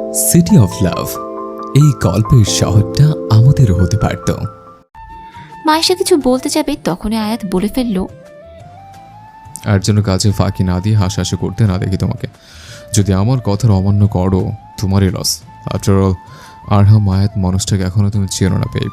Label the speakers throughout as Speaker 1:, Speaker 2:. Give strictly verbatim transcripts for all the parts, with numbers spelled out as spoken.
Speaker 1: City of love, এই গল্পের শহরটা আমাদেরও হতে পারত।
Speaker 2: মায়েশা কিছু বলতে যাবে তখনই আয়াত বলে ফেলল,
Speaker 1: আর যেন কাজে ফাঁকি না দিয়ে হাসাহাসি করতে না দেখি তোমাকে। যদি আমার কথার অমান্য করো তোমারই লস। আফটার অল আরহাম আয়াত মানুষটাকে এখনো তুমি চেনো না পেয়ে।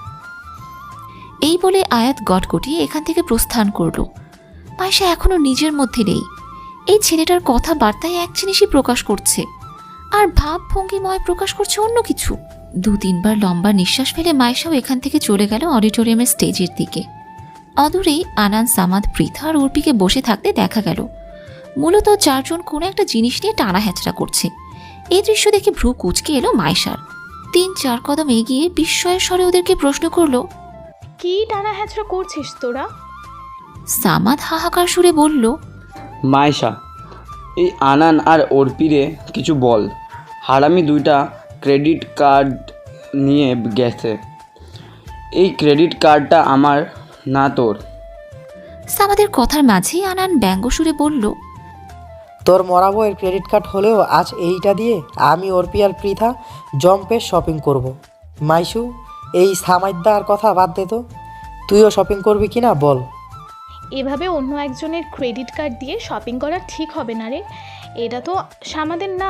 Speaker 2: এই বলে আয়াত গটগটিয়ে এখান থেকে প্রস্থান করল। মায়েশা এখনো নিজের মধ্যে নেই। এই ছেলেটার কথাবার্তায় এক জিনিসই প্রকাশ করছে, আর ভাব ভঙ্গিময় প্রকাশ করছে অন্য কিছু। দু তিনবার লম্বা নিঃশ্বাস ফেলে মায়েশাও এখান থেকে চলে গেল অডিটোরিয়ামের স্টেজের দিকে। অদূরে আনান, সামাদ, পৃথা আর অর্পিকে বসে থাকতে দেখা গেল। মূলত চারজন কোনো একটা জিনিস নিয়ে টানা হ্যাচড়া করছে। এই দৃশ্য দেখে ভ্রু কুঁচকে এলো মায়েশার। তিন চার কদম এগিয়ে বিস্ময়ের স্বরে ওদেরকে প্রশ্ন করলো,
Speaker 3: কি টানা হ্যাচড়া করছিস তোরা?
Speaker 2: সামাদ হাহাকার সুরে বলল,
Speaker 4: মায়েশা, এই আনান আর অর্পিরে কিছু বল। হারামি দুইটা ক্রেডিট কার্ড নিয়ে গেছে। এই ক্রেডিট কার্ডটা আমার না তোর।
Speaker 2: সামাদের কথার মাঝেই আনান ব্যঙ্গ সুরে বলল,
Speaker 5: তোর মরা বইয়ের ক্রেডিট কার্ড হলেও আজ এইটা দিয়ে আমি অর্পি আর পৃথা জম্পে শপিং করব। মাইশু, এই সামাইদার কথা বাদ দে তো, তুইও শপিং করবি কি না বল।
Speaker 3: এভাবে অন্য একজনের ক্রেডিট কার্ড দিয়ে শপিং করা ঠিক হবে না রে, এটা তো আমাদের না।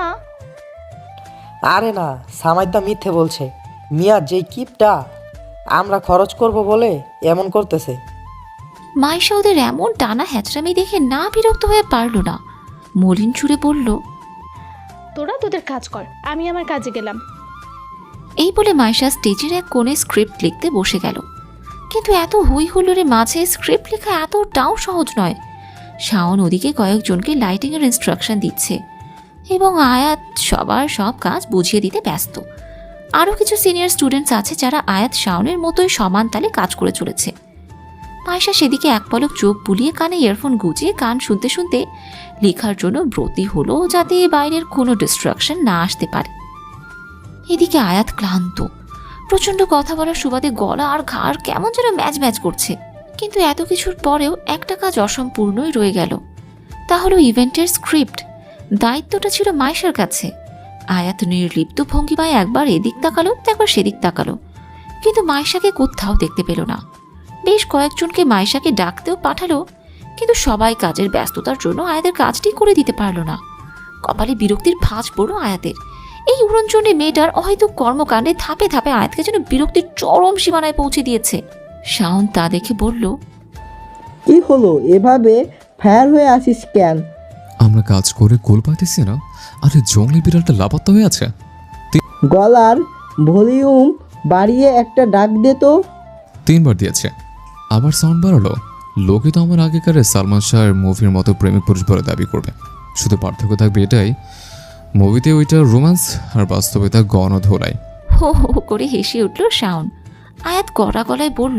Speaker 5: আরে না, সামাইদা মিথ্যে বলছে। মিয়া যেই কিপটা আমরা খরচ করব বলে এমন করতেছে।
Speaker 2: মাইশা ওদের এমন টানা হ্যাচড়ামি দেখে না বিরক্ত হয়ে পারল না। মলিন সুরে বলল,
Speaker 3: তোরা তোদের কাজ কর, আমি আমার কাজে গেলাম।
Speaker 2: এই বলে মাইশা স্টেজের এক কোণে স্ক্রিপ্ট লিখতে বসে গেল। কিন্তু এত হই হুল্লোড়ের মাঝে স্ক্রিপ্ট লেখা এতটাও সহজ নয়। শাওন ওদিকে কয়েকজনকে লাইটিংয়ের ইনস্ট্রাকশন দিচ্ছে এবং আয়াত সবার সব কাজ বুঝিয়ে দিতে ব্যস্ত। আরও কিছু সিনিয়র স্টুডেন্টস আছে যারা আয়াত শাওনের মতোই সমান তালে কাজ করে চলেছে। মাইশা সেদিকে এক পলক চোখ বুলিয়ে কানে ইয়ারফোন গুজিয়ে গান শুনতে শুনতে লেখার জন্য ব্রতী হলো, যাতে বাইরের কোনো ডিস্ট্রাকশন না আসতে পারে। এদিকে আয়াত ক্লান্ত। প্রচণ্ড কথা বলার সুবাদে গলা আর ঘাড় কেমন যেন ম্যাচ ম্যাচ করছে। কিন্তু এত কিছুর পরেও একটা কাজ অসম্পূর্ণই রয়ে গেল। তা হলো ইভেন্টের স্ক্রিপ্ট। দায়িত্বটা ছিল মাইশার কাছে। আয়াত নির্লিপ্ত ভঙ্গিমায় একবার এদিক তাকালো, একবার সেদিক তাকালো, কিন্তু মাইশাকে কোথাও দেখতে পেল না। বেশ কয়েকজনকে মাইশাকে ডাকতেও পাঠালো, কিন্তু সবাই কাজের ব্যস্ততার জন্য আয়াতের কাজটি করে দিতে পারল না। কপালে বিরক্তির ভাঁজ পড়ল আয়াতের। এই উড়নচণ্ডী মেয়েটার অহেতুক কর্মকাণ্ডে ধাপে ধাপে আয়াতকে যেন বিরক্তির চরম সীমানায় পৌঁছে দিয়েছে। শাওন তা দেখে বলল,
Speaker 6: কি হলো, এভাবে ফায়ার হয়ে আসিস কেন?
Speaker 1: আমরা কাজ করে গোল পাইতেছি না, আরে জঙ্গলি বিড়ালটা লাপাত্তা হয়ে আছে।
Speaker 6: গলার ভলিউম বাড়িয়ে একটা ডাক দে তো।
Speaker 1: তিনবার দিয়েছে, আবার সাউন্ড বাড়ালো। লোকে তো আমার আগেকার সালমান শাহের মুভির মতো প্রেমিক পুরুষ বলে দাবি করবে। শুধু পার্থক্য থাকবে এটাই, মুভিতে ওইটা রোম্যান্স আর বাস্তবে তা গণধোলাই।
Speaker 2: হো হো করে হেসে উঠল শাওন। আয়াত গড়া গলায় বলল,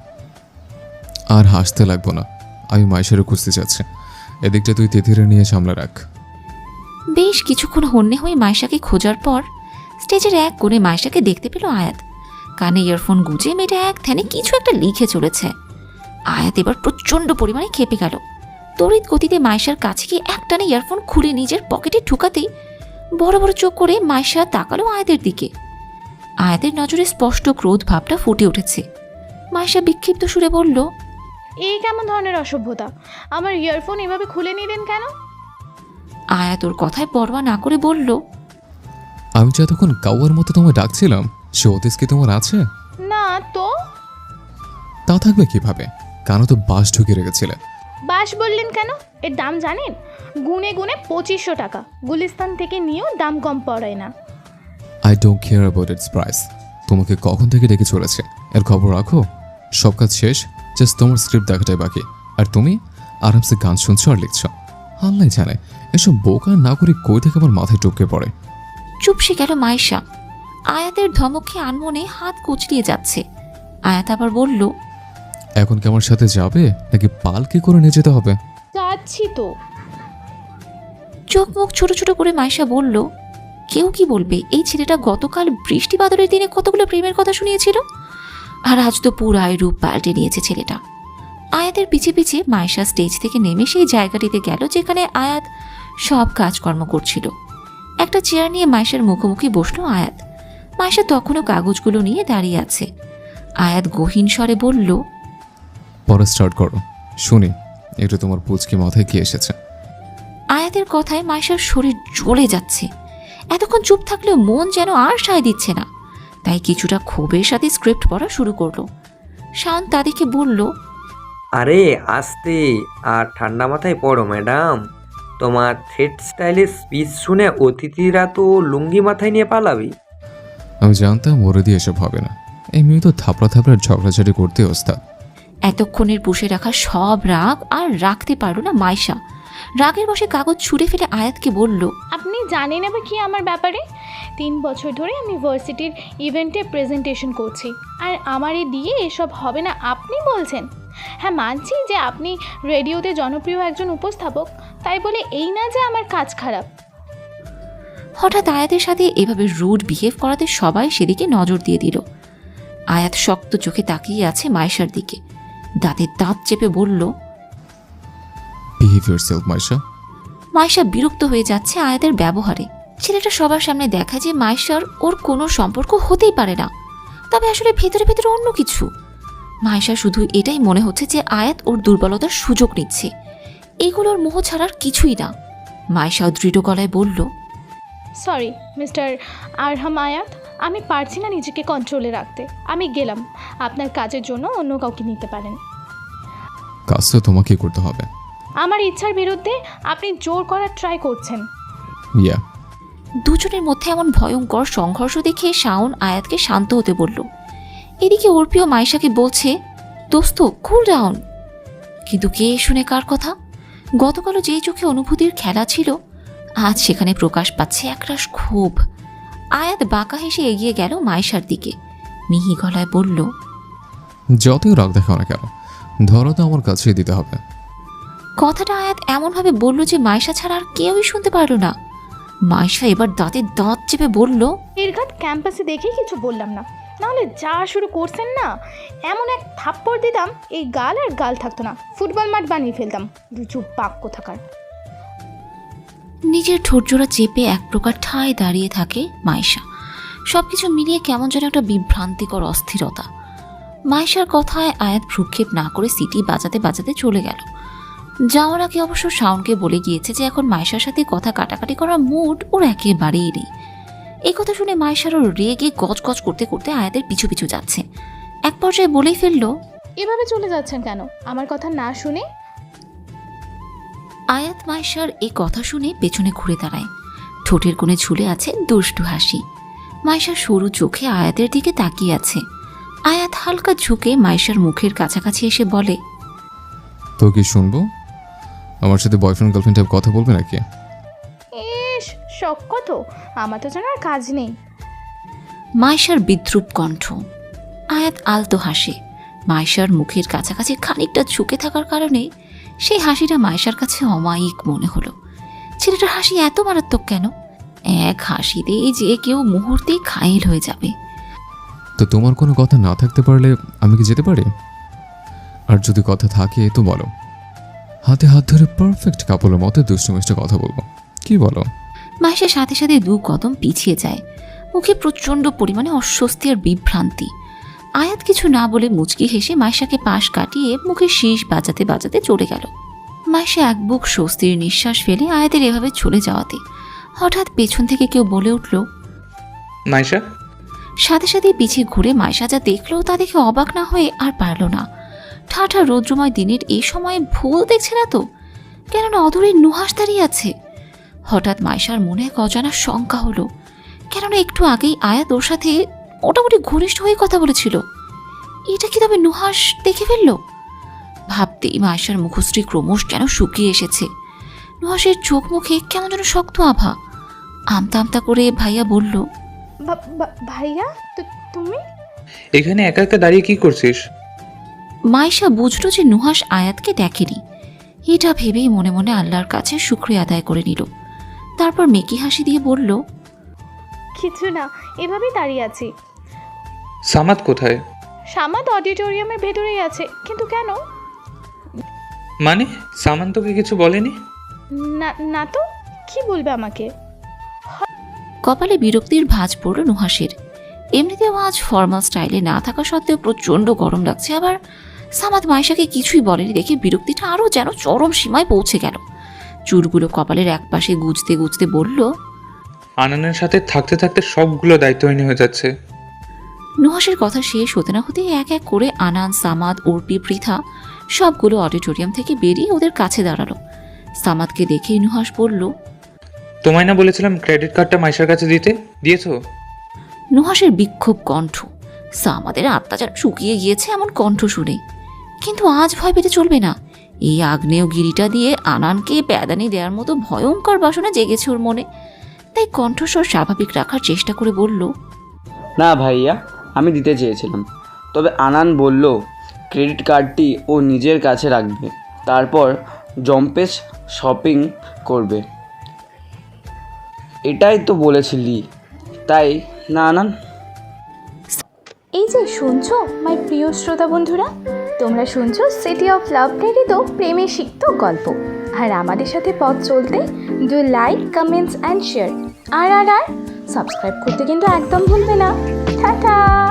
Speaker 1: আর হাসতে লাগবো না, আমি মাইশারে খুঁজতে চাচ্ছি। এদিকটা তুই তেথিরে নিয়ে সামলা রাখ।
Speaker 2: বেশ কিছুক্ষণ হন্যে হয়ে মাইশাকে খোঁজার পর স্টেজের এক কোণে মাইশাকে দেখতে পেল আয়াত। কানে ইয়ারফোন গুজে মেয়েটা এক ধ্যানে কিছু একটা লিখে চলেছে। আয়াত এবার প্রচণ্ড পরিমাণে খেপে গেল। তড়িৎ গতিতে মাইশার কাছে গিয়ে একটানে ইয়ারফোন খুলে নিজের পকেটে ঢুকাতেই বড় বড় চোখ করে মাইশা তাকালো আয়াতের দিকে। আয়াতের নজরে স্পষ্ট ক্রোধ ভাবটা ফুটে উঠেছে। মাইশা বিক্ষিপ্ত সুরে বলল,
Speaker 3: এই কেমন ধরনের অসভ্যতা? আমার ইয়ারফোন এভাবে খুলে নিলেন কেন?
Speaker 2: আয়াত ওর কথায় পরোয়া না করে বলল,
Speaker 1: আমি যে এতক্ষণ কাউয়ার মতো তোমায় ডাকছিলাম, সে অতীশ কি তোমার আছে?
Speaker 3: না তো।
Speaker 1: তা থাকবে কিভাবে? কারণ তো বাস ঢুকে রেখেছিলে।
Speaker 3: বাস বললেন কেন? এর দাম জানেন? গুনে গুনে পঁচিশশো টাকা। গুলিস্তান থেকে নিয়েও দাম কম পড়ে না।
Speaker 1: I don't care about its price. তোমাকে কখন থেকে ডেকে চলেছে এর খবর রাখো। সব কাজ শেষ, জাস্ট তোমার স্ক্রিপ্ট দেখাটাই বাকি। আর তুমি আরামসে গান শুনছো আর লিখছো। আল্লাহ জানে এসব বোকা না করে কই থেকে আমার মাথায় টপকে পড়ে।
Speaker 2: চুপসে গেল মাইশা। আয়াতের ধমকে আনমনে হাত কুচলিয়ে যাচ্ছে। আয়াত আবার বলল,
Speaker 1: এখন কি আমার সাথে যাবে নাকি পালকি করে নিয়ে যেতে হবে?
Speaker 3: যাচ্ছি তো।
Speaker 2: চোখ মুখ ছোট ছোট করে মাইশা বলল, কেউ কি বলবে এই ছেলেটা গতকাল বৃষ্টি বাদলের দিনে কতগুলো প্রেমের কথা শুনিয়েছিল, আর আজ তো পুরাই রূপ পাল্টে নিয়েছে ছেলেটা। আয়াতের পিছে পিছে মাইশা স্টেজ থেকে নেমে সেই জায়গাটিতে গেল যেখানে আয়াত সব কাজকর্ম করছিল। একটা চেয়ার নিয়ে মাইশার মুখোমুখি বসলো আয়াত। মাইশা তখনও কাগজগুলো নিয়ে দাঁড়িয়ে আছে। আয়াত গহীন স্বরে বলল,
Speaker 1: পরে স্টার্ট করো, শুনি একটু তোমার পুচকি মাথায় কি এসেছে।
Speaker 2: আয়াতের কথায় মাইশার শরীর জ্বলে যাচ্ছে। এতক্ষণ চুপ থাকলেও মন যেন আর সায় দিচ্ছে না, তাই কিছুটা ক্ষোভের সাথে স্ক্রিপ্ট পড়া শুরু করলো। শাওন তাদেরকে বলল,
Speaker 7: আরে আস্তে আর ঠান্ডা মাথায় পড়ো ম্যাডাম। তোমার থ্রেড স্টাইলের স্পিচ শুনে অতিথিরা তো লুঙ্গি মাথায় নিয়ে পালাবি।
Speaker 1: আমি জানতাম ওরে দিয়ে এসব হবে না, এই মেয়ে তো থাপড়া থাপড়ার ঝগড়াঝাড়ি করতে ওস্তাদ।
Speaker 2: এতক্ষণের পুষে রাখা সব রাগ আর রাখতে পারল না মাইশা। রাগের বসে কাগজ ছুঁড়ে ফেলে আয়াতকে বলল,
Speaker 3: আপনি জানেন আবার কি আমার ব্যাপারে? তিন বছর ধরে আমি ভার্সিটির ইভেন্টে প্রেজেন্টেশন করছি, আর আমারে দিয়ে এসব হবে না আপনি বলছেন? হ্যাঁ, মানছি যে আপনি রেডিওতে জনপ্রিয় একজন উপস্থাপক, তাই বলে এই না যে আমার কাজ খারাপ।
Speaker 2: হঠাৎ আয়াতের সাথে এভাবে রুড বিহেভ করাতে সবাই সেদিকে নজর দিয়ে দিল। আয়াত শক্ত চোখে তাকিয়ে আছে মাইশার দিকে, দাঁতের দাঁত চেপে বলল,
Speaker 1: বিহেভ ইয়োরসেলফ মাইশা।
Speaker 2: মাইশা বিরক্ত হয়ে যাচ্ছে আয়াতের ব্যবহারে। ছেলেটা সবার সামনে দেখা যে মাইশার ওর কোনো সম্পর্ক হতেই পারে না, তবে আসলে ভেতরে ভেতরে অন্য কিছু। মাইশা শুধু এটাই মনে হচ্ছে যে আয়াত ওর দুর্বলতার সুযোগ নিচ্ছে, এগুলোর মোহ ছাড়ার কিছুই না। মাইশাও দৃঢ় গলায় বলল,
Speaker 3: সরি মিস্টার আরহাম আয়াত, আমি পারছি না নিজেকে কন্ট্রোলে রাখতে। আমি গেলাম, আপনার কাজের জন্য অন্য কাউকে নিতে পারেন।
Speaker 1: কাজ তো তোমাকে করতে হবে।
Speaker 3: আমার ইচ্ছার বিরুদ্ধে আপনি জোর করার ট্রাই করছেন।
Speaker 1: ইয়া।
Speaker 2: দুজনের মধ্যে এমন ভয়ঙ্কর সংঘর্ষ দেখে শাওন আয়াতকে শান্ত হতে বলল। এদিকে অর্পিও মাইশাকে বলছে, দোস্ত কুল ডাউন। কিন্তু কে শুনে কার কথা? গতকালও যে চোখে অনুভূতির খেলা ছিল, আজ সেখানে প্রকাশ পাচ্ছে একরাশ ক্ষোভ। আয়াত বাঁকা হেসে এগিয়ে গেল মাইশার দিকে, মিহি গলায় বলল,
Speaker 1: যতই রাগ দেখাও না কেন, ধরো তো আমার কাছেই দিতে হবে।
Speaker 2: কথাটা আয়াত এমনভাবে বলল যে মাইশা ছাড়া আর কেউই শুনতে পারল না। মাইশা এবার দাঁতে দাঁত চেপে বলল,
Speaker 3: নির্ঘাত ক্যাম্পাসে দেখেই কিছু বললাম না, নাহলে যা শুরু করছেন না, এমন এক থাপ্পড় দিতাম এই গাল আর গাল থাকতো না, ফুটবল মাঠ বানিয়ে ফেলতাম। রুচু বাক্য থাকার।
Speaker 2: নিজের ঠোঁটজোড়া চেপে এক প্রকার ঠায় দাঁড়িয়ে থাকে মাইশা। সবকিছু মিলিয়ে কেমন যেন একটা বিভ্রান্তিকর অস্থিরতা। মাইশার কথায় আয়াত ভ্রুক্ষেপ না করে সিটি বাজাতে বাজাতে চলে গেল। যাওয়ার আগে অবশ্য শাওনকে বলে গিয়েছে যে এখন মাইশার সাথে কথা কাটাকাটি করার মুড ওর একেবারেই নেই। এই কথা শুনে মাইশারও রেগে গজ গজ করতে করতে আয়াতের পিছু পিছু যাচ্ছে। এক পর্যায়ে বলেই ফেলল,
Speaker 3: এভাবে চলে যাচ্ছেন কেন আমার কথা না শুনে?
Speaker 2: আয়াত মাইশার এই কথা শুনে পেছনে ঘুরে দাঁড়ায়। ঠোঁটের কোণে ঝুলে আছে দুষ্টু হাসি। মাইশার সরু চোখে আয়াতের দিকে তাকিয়ে আছে। আয়াত হালকা ঝুঁকে মাইশার মুখের কাছাকাছি এসে বলে,
Speaker 1: তো কি শুনবো? আমার সাথে বয়ফ্রেন্ড গার্লফ্রেন্ড টাইপ কথা বলবে নাকি?
Speaker 3: ইস, শখ কত, আমার তো যেন আর কাজ নেই।
Speaker 2: মাইশার বিদ্রুপ কণ্ঠ। আয়াত আলতো হাসে। মাইশার মুখের কাছাকাছি খানিকটা ঝুঁকে থাকার কারণে সেই হাসিটা মাইশার কাছে অমায়িক মনে হলো। ছেলেটার হাসি এত মারাত্মক কেন? এক হাসিতেই যে কেউ মুহূর্তেই ঘায়েল হয়ে যাবে।
Speaker 1: তো তোমার কোনো কথা না থাকতে পারলে আমি কি যেতে পারি? আর যদি কথা থাকে তো বলো, হাতে হাত ধরে পারফেক্ট কাপড়ের মতো দুষ্টু মিষ্টি কথা বলবো, কি বলো?
Speaker 2: মাইশার সাথে সাথে দু কদম পিছিয়ে যায়, মুখে প্রচণ্ড পরিমাণে অস্বস্তি আর বিভ্রান্তি। আয়াত কিছু না বলে মুচকি হেসে মাইশাকে পাশ কাটিয়ে মুখে শীষ বাজাতে বাজাতে চলে গেল। মাইশা এক বুক স্বস্তির নিঃশ্বাস ফেলে আয়াতের এভাবে চলে যাওয়াতে হঠাৎ পেছন থেকে কেউ বলে উঠল,
Speaker 8: মাইশা।
Speaker 2: সাথে সাথে পিছিয়ে ঘুরে মাইশা যা দেখলো তা দেখে অবাক না হয়ে আর পারল না। ঠাঠা রৌদ্রময় দিনের এই সময়ে ভুল দেখছে না তো? কেননা অদূরে নুহাস দাঁড়িয়ে আছে। হঠাৎ মাইশার মনে এক অজানা শঙ্কা হলো, কেননা একটু আগেই আয়াত ওর সাথে মোটামুটি ঘনিষ্ঠ হয়ে কথা বলেছিল। এটা কি তবে নুহাস দেখে ফেলল? ভাবতেই মাইশার মুখশ্রী ক্রমশ যেন শুকিয়ে এসেছে। নুহাসের চোখ মুখে কেমন যেন শক্ত আভা। আমতা আমতা করে ভাইয়া বলল,
Speaker 3: ভা- ভা- ভাইয়া, তু- তুমি?
Speaker 8: এখানে একা একা দাঁড়িয়ে কি করছিস?
Speaker 2: মাইশা বুঝলো যে নুহাস আয়াতকে দেখেনি। এটা ভেবেই মনে মনে আল্লাহর কাছে শুকরিয়া আদায় করে নিল। তারপর মেকি হাসি দিয়ে বলল,
Speaker 3: কিছু না, এভাবেই দাঁড়িয়ে আছি।
Speaker 8: সামাদ কোথায়?
Speaker 3: সামাদ অডিটোরিয়ামের ভেতরেই আছে। কিন্তু কেন?
Speaker 8: মানে সামান তোকে কিছু বলেনি?
Speaker 3: না না তো, কি বলবে আমাকে? হ-
Speaker 2: কপালে বিরক্তির ভাঁজ পড়ল নুহাসের। এমনিতেও আজ ফর্মাল স্টাইলে না থাকা সত্ত্বেও প্রচণ্ড গরম লাগছে, আবার সামাদ মাইশাকে কিছুই বলেনি দেখে বিরক্তিটা আরও যেন চরম সীমায় পৌঁছে গেল। চুলগুলো কপালের একপাশে গুজতে গুজতে বলল,
Speaker 8: আনানের সাথে থাকতে থাকতে সবগুলো দায়িত্বহীন হয়ে যাচ্ছে।
Speaker 2: নুহাসের কথা শেষ হতে না হতেই এক এক করে আনান, সামাদ, অর্পি, পৃথা সবগুলো অডিটোরিয়াম থেকে বেরিয়ে ওদের কাছে দাঁড়ালো। সামাদকে দেখেই নুহাস বলল,
Speaker 8: তোমায় না বলেছিলাম ক্রেডিট কার্ডটা মাইশার কাছে দিতে, দিয়েছো?
Speaker 2: নুহাসের বিক্ষোভ কণ্ঠ। সামাদের আত্মা যেন শুকিয়ে গিয়েছে এমন কণ্ঠ শুনে। কিন্তু আজ ভয় পেতে চলবে না। এই আগ্নেয়গিরিটা দিয়ে আনানকে প্যাদানি দেওয়ার মতো ভয়ঙ্কর বাসনা জেগেছে ওর মনে। তাই কণ্ঠস্বর স্বাভাবিক রাখার চেষ্টা করে বলল,
Speaker 4: না ভাইয়া, আমি দিতে চেয়েছিলাম, তবে আনান বলল ক্রেডিট কার্ডটি ও নিজের কাছে রাখবে, তারপর জম্পেস শপিং করবে। এটাই তো বলেছিলি, তাই না আনান?
Speaker 3: এই যে শুনছো মাই প্রিয় শ্রোতা বন্ধুরা, তোমরা শুনছো সিটি অফ লাভ প্রেরিত প্রেমে সিক্ত গল্প। আর আমাদের সাথে পথ চলতে do like, comments and share. আর আর আর সাবস্ক্রাইব করতে কিন্তু একদম ভুলবে না। টাটা।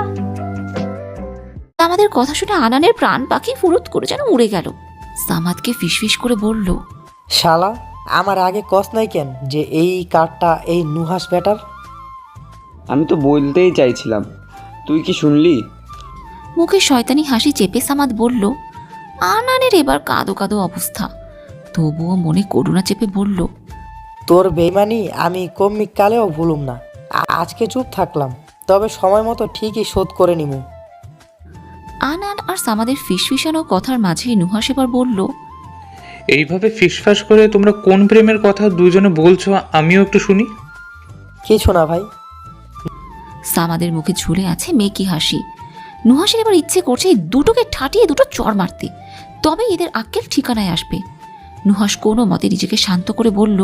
Speaker 2: আমাদের কথা শুনে আনানের প্রাণ পাখি ফুরুত করে যেন উড়ে গেল। সামাদকে ফিসফিস করে বলল,
Speaker 5: শালা, আমার আগে কস নাই কেন যে এই কার্ডটা এই নুহাস ব্যাটার?
Speaker 4: আমি তো বলতেই চাইছিলাম, তুই কি শুনলি?
Speaker 2: মুখে শয়তানি হাসি চেপে সামাদ বলল। আনানের এবার কাঁদো কাঁদো অবস্থা, তবুও মনে করুণা চেপে বলল,
Speaker 5: তোর বেইমানি আমি কমিক কালেও ভুলুম না। আ- আজকে চুপ থাকলাম, তবে সময় মতো ঠিকই শোধ করে নিমু।
Speaker 2: আনান আর সামাদের ফিসফিসানো কথার মাঝেই নুহাস এবার বলল,
Speaker 8: এইভাবে ফিসফাস করে তোমরা কোন প্রেমের কথা দুজনে বলছো আমিও একটু শুনি।
Speaker 5: কিছু না ভাই।
Speaker 2: সামাদের মুখে ঝুলে আছে মেকি হাসি। নুহাসের এবার ইচ্ছে করছে এই দুটোকে ঠাটিয়ে দুটো চড় মারতে, তবে এদের আক্কেল ঠিকানায় আসবে। নুহাস কোনো মতে নিজেকে শান্ত করে বলল,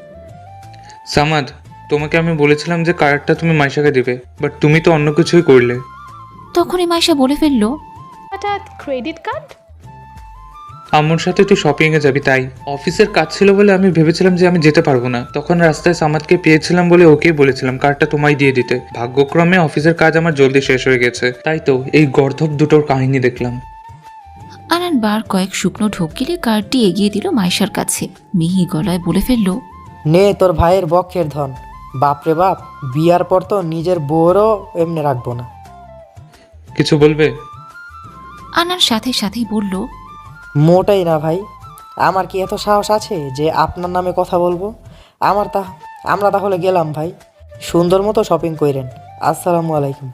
Speaker 8: সামাদ, তোমাকে আমি বলেছিলাম যে কার্ডটা তুমি মাইশাকে দিবে, বাট তুমি তো অন্য কিছুই করলে।
Speaker 2: তখনই মাইশা বলে ফেলল,
Speaker 3: হঠাৎ ক্রেডিট কার্ড?
Speaker 8: আম্মুর সাথে তুই শপিং এ যাবি, তাই অফিসের কাজ ছিল বলে আমি ভেবেছিলাম যে আমি যেতে পারবো না। তখন রাস্তায় সামাদকে পেয়েছিলাম বলে ওকেই বলেছিলাম কার্ডটা তোমায় দিয়ে দিতে। ভাগ্যক্রমে অফিসের কাজ আমার জলদি শেষ হয়ে গেছে, তাই তো এই গর্ধব দুটোর কাহিনী দেখলাম।
Speaker 2: আনান বার কয়েক শুকনো ঢোক গিলে কার্ডটি এগিয়ে দিল মাইশার কাছে। মিহি গলায় বলে ফেলল,
Speaker 5: নে তোর ভাইয়ের বক্ষের ধন। বাপরে বাপ, বিয়ার পর তো নিজের বউরও এমনি রাখবো না।
Speaker 8: কিছু বলবে?
Speaker 2: আনান সাথে সাথেই বলল,
Speaker 5: মোটাই না ভাই, আমার কি এত সাহস আছে যে আপনার নামে কথা বলবো? আমার তা আমরা তাহলে গেলাম ভাই, সুন্দর মতো শপিং কইরেন। আসসালামু আলাইকুম।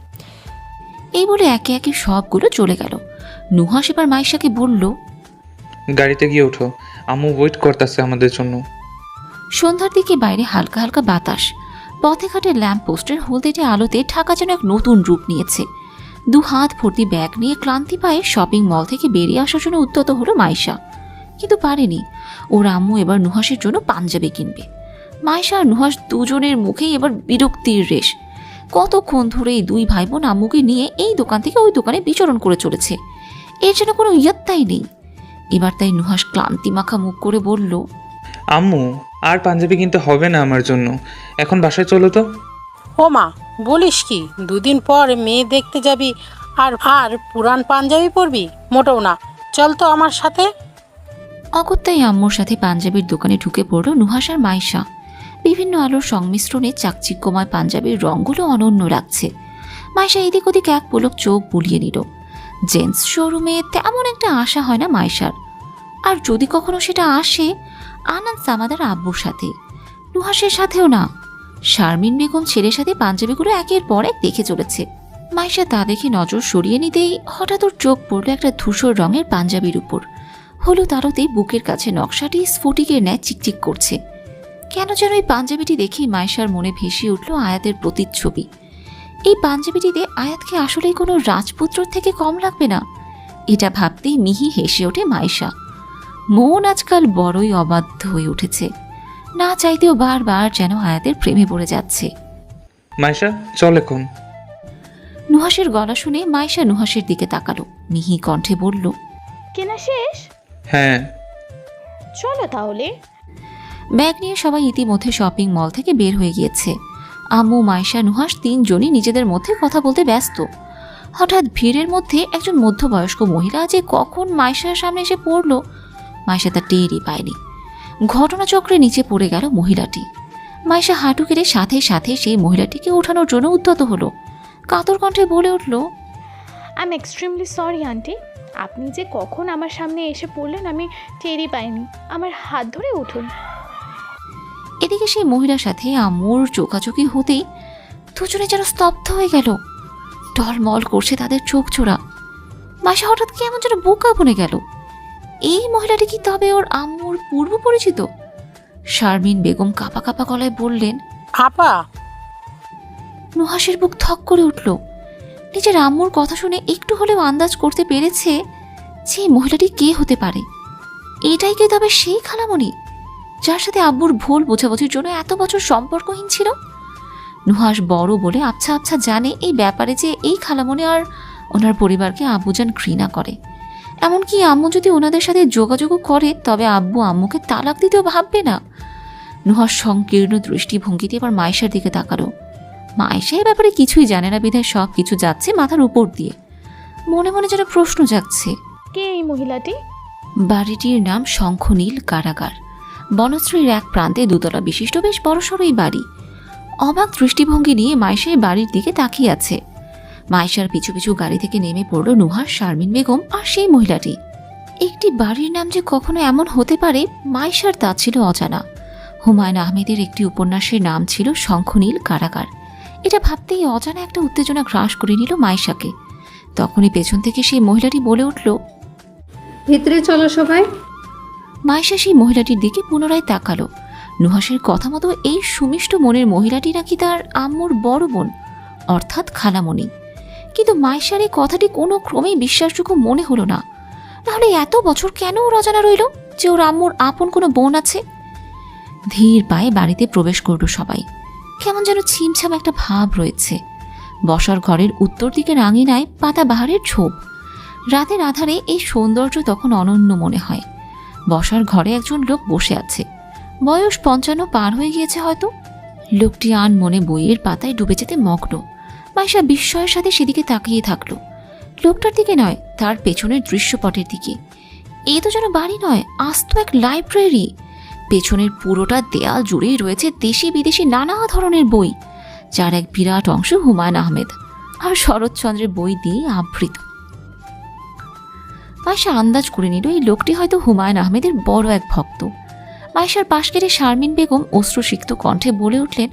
Speaker 2: এই বলে একে একে সবগুলো চলে গেল। নুহাস এবার মাইশাকে বলল,
Speaker 8: গাড়িতে গিয়ে ওঠো, আম্মু ওয়েট করতেছে আমাদের জন্য।
Speaker 2: সন্ধ্যার দিকে বাইরে হালকা হালকা বাতাস। পথে ঘাটে ল্যাম্প পোস্টের হলদেটে আলোতে ঢাকা যেন এক নতুন রূপ নিয়েছে। দু হাত ভর্তি ব্যাগ নিয়ে ক্লান্তি পায়ে শপিং মল থেকে বেরিয়ে আসার জন্য উদ্যত হলো মাইশা, কিন্তু পারেনি। ওর আম্মু এবার নুহাসের জন্য পাঞ্জাবি কিনবে। মাইশা আর নুহাস দুজনের মুখেই এবার বিরক্তির রেশ। কতক্ষণ ধরে এই দুই ভাই বোন আম্মুকে নিয়ে এই দোকান থেকে ওই দোকানে বিচরণ করে চলেছে, এর যেন কোনো ইয়ত্তাই নেই। এবার তাই নুহাস ক্লান্তি মাখা মুখ করে বলল,
Speaker 8: আম্মু, আর পাঞ্জাবি কিনতে হবে না আমার জন্য, এখন বাসায় চলো তো।
Speaker 9: ও মা, বলিস কি? দুদিন পর মেয়ে দেখতে যাবি আর আর পুরান পাঞ্জাবি পরবি? মোটেও না, চল তো আমার সাথে।
Speaker 2: অগত্যাই আম্মুর সাথে পাঞ্জাবির দোকানে ঢুকে পড়ল নুহাস আর মাইশা। বিভিন্ন আলোর সংমিশ্রণে চাকচিক্যময় পাঞ্জাবির রঙগুলো অনন্য লাগছে। মাইশা এদিক ওদিক এক পলক চোখ বুলিয়ে নিল। জেন্টস শোরুমে তেমন একটা আশা হয় না মাইশার, আর যদি কখনো সেটা আসে আনান সামাদার আব্বুর সাথে, নুহাসের সাথেও না। শারমিন বেগম ছেলের সাথে পাঞ্জাবিগুলো একের পর এক দেখে চলেছে। মাইশা তা দেখে নজর সরিয়ে নিতেই হঠাৎ ওর চোখ পড়ল একটা ধূসর রঙের পাঞ্জাবির উপর। হলুদ আলোতে বুকের কাছে নকশাটি স্ফটিকের ন্যায় চিকচিক করছে। কেন যেন এই পাঞ্জাবিটি দেখেই মাইশার মনে ভেসে উঠল আয়াতের প্রতিচ্ছবি। এই পাঞ্জাবিটিতে আয়াতকে আসলেই কোনো রাজপুত্র থেকে কম লাগবে না, এটা ভাবতেই মিহি হেসে ওঠে মাইশা। মন আজকাল বড়ই অবাধ্য হয়ে উঠেছে, না চাইতেও বারবার যেন আয়াতের প্রেমে পড়ে যাচ্ছে।
Speaker 8: মাইশা চল এখন।
Speaker 2: নুহাসের গলা শুনে মাইশা নুহাসের দিকে তাকালো। মিহি কণ্ঠে বলল,
Speaker 3: কেনা শেষ?
Speaker 8: হ্যাঁ।
Speaker 3: চলো তাহলে।
Speaker 2: ব্যাগ নিয়ে সবাই ইতিমধ্যে শপিং মল থেকে বের হয়ে গিয়েছে। আম্মু, মাইশা, নুহাস তিনজনই নিজেদের মধ্যে কথা বলতে ব্যস্ত। হঠাৎ ভিড়ের মধ্যে একজন মধ্যবয়স্ক মহিলা যে কখন মাইশার সামনে এসে পড়ল, মাইশা তা টেরই পায়নি। ঘটনাচক্রে নিচে পড়ে গেল মহিলাটি। মাইশা হাঁটু কেড়ে সাথে সাথে সেই মহিলাটিকে ওঠানোর জন্য উদ্যত হলো। কাতর কণ্ঠে বলে উঠল,
Speaker 3: I am extremely sorry aunty, আপনি যে কখন আমার সামনে এসে পড়লেন আমি টেরই পাইনি। আমার হাত ধরে উঠুন।
Speaker 2: এদিকে সেই মহিলার সাথে আম্মুর চোখাচোখি হতেই দুজনে যেন স্তব্ধ হয়ে গেল। টলমল করছে তাদের চোখ চোরা। মাইশা হঠাৎ কেমন যেন বোকা বনে গেল। এই মহিলাটি কি তবে ওর আম্মুর পূর্ব পরিচিত? শারমিন বেগম কাঁপা কাঁপা গলায় বললেন,
Speaker 9: আপা।
Speaker 2: নুহাসের বুক থক করে উঠল। নিজের আম্মুর কথা শুনে একটু হলেও আন্দাজ করতে পেরেছে যে এই মহিলাটি কে হতে পারে। এটাই কি তবে সেই খালামণি যার সাথে আব্বুর ভুল বোঝাবুঝির জন্য এত বছর সম্পর্কহীন ছিল? নুহাস বড় বলে আবছা আবছা জানে এই ব্যাপারে যে এই খালামণি আর ওনার পরিবারকে আব্বুজান ঘৃণা করে। এমনকি আম্মু যদি ওনাদের সাথে যোগাযোগও করে তবে আব্বু আম্মুকে তালাক দিতেও ভাববে না। নুহাস সংকীর্ণ দৃষ্টিভঙ্গিতে এবার মাইশার দিকে তাকালো। মাইশা এই ব্যাপারে কিছুই জানে না বিধায় সব কিছু যাচ্ছে মাথার উপর দিয়ে। মনে মনে যেন প্রশ্ন জাগছে,
Speaker 3: কে এই মহিলাটি?
Speaker 2: বাড়িটির নাম শঙ্খনীল কারাগার। বনশ্রীর এক প্রান্তে দুতলা বিশিষ্ট বেশ বড়সড় এই বাড়ি। অবাক দৃষ্টিভঙ্গি নিয়ে মাইশা এই বাড়ির দিকে তাকিয়ে আছে। মাইশার পিছু পিছু গাড়ি থেকে নেমে পড়ল নুহাস, শারমিন বেগম আর সেই মহিলাটি। একটি বাড়ির নাম যে কখনো এমন হতে পারে মাইশার তা ছিল অজানা। হুমায়ুন আহমেদের একটি উপন্যাসের নাম ছিল শঙ্খনীল কারাগার। এটা ভাবতেই অজানা একটা উত্তেজনা গ্রাস করে নিল মাইশাকে। তখনই পেছন থেকে সেই মহিলাটি বলে উঠল,
Speaker 10: ভিতরে চলো সবাই।
Speaker 2: মাইশা সেই মহিলাটির দিকে পুনরায় তাকালো। নুহাসের কথা মতো এই সুমিষ্ট মনের মহিলাটি নাকি তার আম্মুর বড় বোন, অর্থাৎ খালামণি। কিন্তু মাইশার এই কথাটি কোনো ক্রমেই বিশ্বাসযোগ্য মনে হলো না। নাহলে এত বছর কেন ওর অজানা রইল যে ওর আম্মুর আপন কোনো বোন আছে? ধীর পায়ে বাড়িতে প্রবেশ করল সবাই। কেমন যেন ছিমছাম একটা ভাব রয়েছে। বসার ঘরের উত্তর দিকের আঙিনায় পাতা বাহারের ঝোপ। রাতের আধারে এই সৌন্দর্য তখন অনন্য মনে হয়। বসার ঘরে একজন লোক বসে আছে। বয়স পঞ্চান্ন পার হয়ে গিয়েছে হয়তো। লোকটি আন মনে বইয়ের পাতায় ডুবে যেতে মগ্ন। মাইশা বিস্ময়ের সাথে সেদিকে তাকিয়ে থাকলো। লোকটার দিকে নয়, তার পেছনের দৃশ্যপটের দিকে। এ তো যেন বাড়ি নয়, আস্ত এক লাইব্রেরি। পেছনের পুরোটা দেয়াল জুড়েই রয়েছে দেশি বিদেশি নানা ধরনের বই, যার এক বিরাট অংশ হুমায়ুন আহমেদ আর শরৎচন্দ্রের বই দিয়ে আবৃত। মাইশা আন্দাজ করে নিল এই লোকটি হয়তো হুমায়ুন আহমেদের বড় এক ভক্ত। মাইশার পাশ কেটে শারমিন বেগম অশ্রুসিক্ত কণ্ঠে বলে উঠলেন,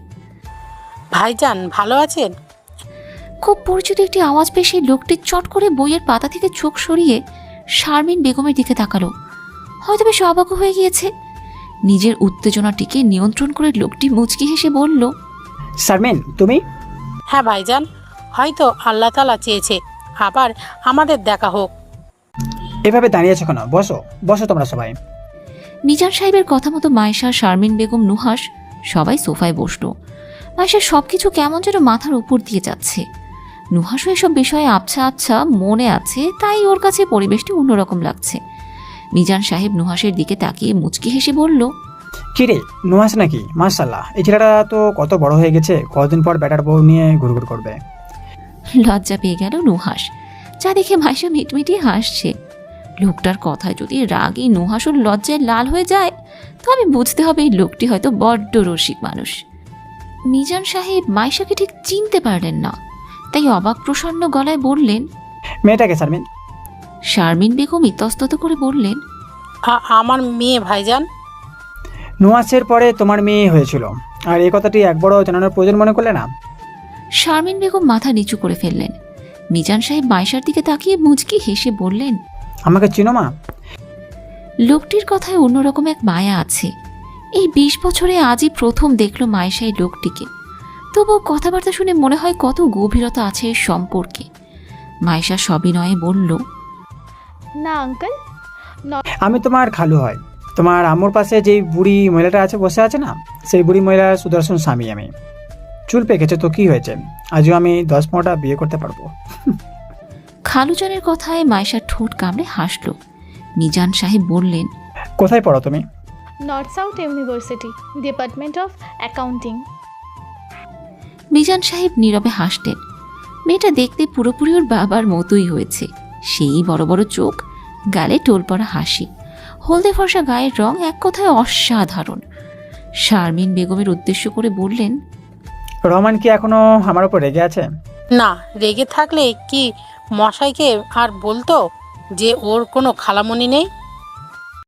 Speaker 9: ভাইজান ভালো আছেন?
Speaker 2: খুব পরিচিত একটি আওয়াজ পেয়ে সেই লোকটি চট করে বইয়ের পাতা থেকে চোখ সরিয়ে শারমিন বেগমের দিকে তাকালো। হয়তো বেশ অবাক হয়ে গিয়েছে। নিজের উত্তেজনাটিকে নিয়ন্ত্রণ করে লোকটি মুচকি হেসে বলল,
Speaker 11: শারমিন তুমি?
Speaker 9: হ্যাঁ ভাইজান, হয়তো আল্লাহ তাআলা চেয়েছে আবার আমাদের দেখা হোক।
Speaker 11: এভাবে দাঁড়িয়ে আছো কেন? বসো বসো তোমরা সবাই।
Speaker 2: মিজান সাহেবের কথা মতো মাইশা, শারমিন বেগম, নুহাস সবাই সোফায় বসল। মাইশার সবকিছু কেমন যেন মাথার উপর দিয়ে যাচ্ছে। নুহাসও এসব বিষয়ে আবছা আবছা মনে আছে, তাই ওর কাছে পরিবেশটি অন্যরকম লাগছে। মিজান সাহেব নুহাসের দিকে তাকিয়ে মুচকি হেসে বলল,
Speaker 11: কিরে নুহাস নাকি? মাশাআল্লাহ, এই ছেলেটা তো কত বড় হয়ে গেছে, কতদিন পর ব্যাটার বউ নিয়ে ঘুরঘুর করবে।
Speaker 2: লজ্জা পেয়ে গেল নুহাস, যা দেখে মাইশা মিটমিটিয়ে হাসছে। লোকটার কথায় যদি রাগী নুহাসুর লজ্জায় লাল হয়ে যায় তবে বুঝতে হবে এই লোকটি হয়তো বড্ড রসিক মানুষ। মিজান সাহেব মাইশাকে ঠিক চিনতে পারলেন না, তাই অবাক প্রসন্ন গলায় বললেন,
Speaker 11: মেয়েটাকে শারমিন?
Speaker 2: শারমিন বেগম ইতস্তত করে বললেন,
Speaker 9: আ- আমার মেয়ে ভাইজান।
Speaker 11: নুহাসের পরে তোমার মেয়ে হয়েছিল, আর এই কথাটি একবারও জানানোর প্রয়োজন মনে করলে না?
Speaker 2: শারমিন বেগম মাথা নিচু করে ফেললেন। মিজান সাহেব মাইশার দিকে তাকিয়ে মুচকি হেসে বললেন,
Speaker 11: আমাকে চিনো মা?
Speaker 2: লোকটির কথায় অন্যরকম এক মায়া আছে। এই বিশ বছরে আজই প্রথম দেখল মাইশা এই লোকটিকে। তবুও কথাবার্তা শুনে মনে হয় কত গভীরতা আছে এর সম্পর্কে। মাইশা সবিনয়ে বলল,
Speaker 3: না আঙ্কেল,
Speaker 11: আমি তোমার খালু হয়। তোমার আম্মুর পাশে যেই বুড়ি মহিলাটা আছে বসে আছে না, সেই বুড়ি মহিলার সুদর্শন স্বামী আমি। চুল পেকেছে তো কি হয়েছে, আজও আমি দশ পনেরোটা বিয়ে করতে পারবো।
Speaker 2: খালুজানের কথায় মাইশার ঠোঁট কামড়ে হাসল। মিজান সাহেব বললেন,
Speaker 11: কোথায় পড়ো তুমি?
Speaker 3: North South University, department of accounting.
Speaker 2: Mizan Sahib নীরবে হাসলেন। মেয়েটা দেখতে পুরোপুরি ওর বাবার মতোই হয়েছে, সেই বড় বড় চোখ, গালে টোল পড়া হাসি, হলদে ফর্সা গায়ের রং, এক কথায় অসাধারণ। শারমিন বেগমের উদ্দেশ্য করে বললেন,
Speaker 11: রহমান কি এখনো আমার উপর রেগে আছে?
Speaker 9: না, রেগে থাকলে কি মশাইকে আর বলতো যে ওর কোনো খালামণি নেই?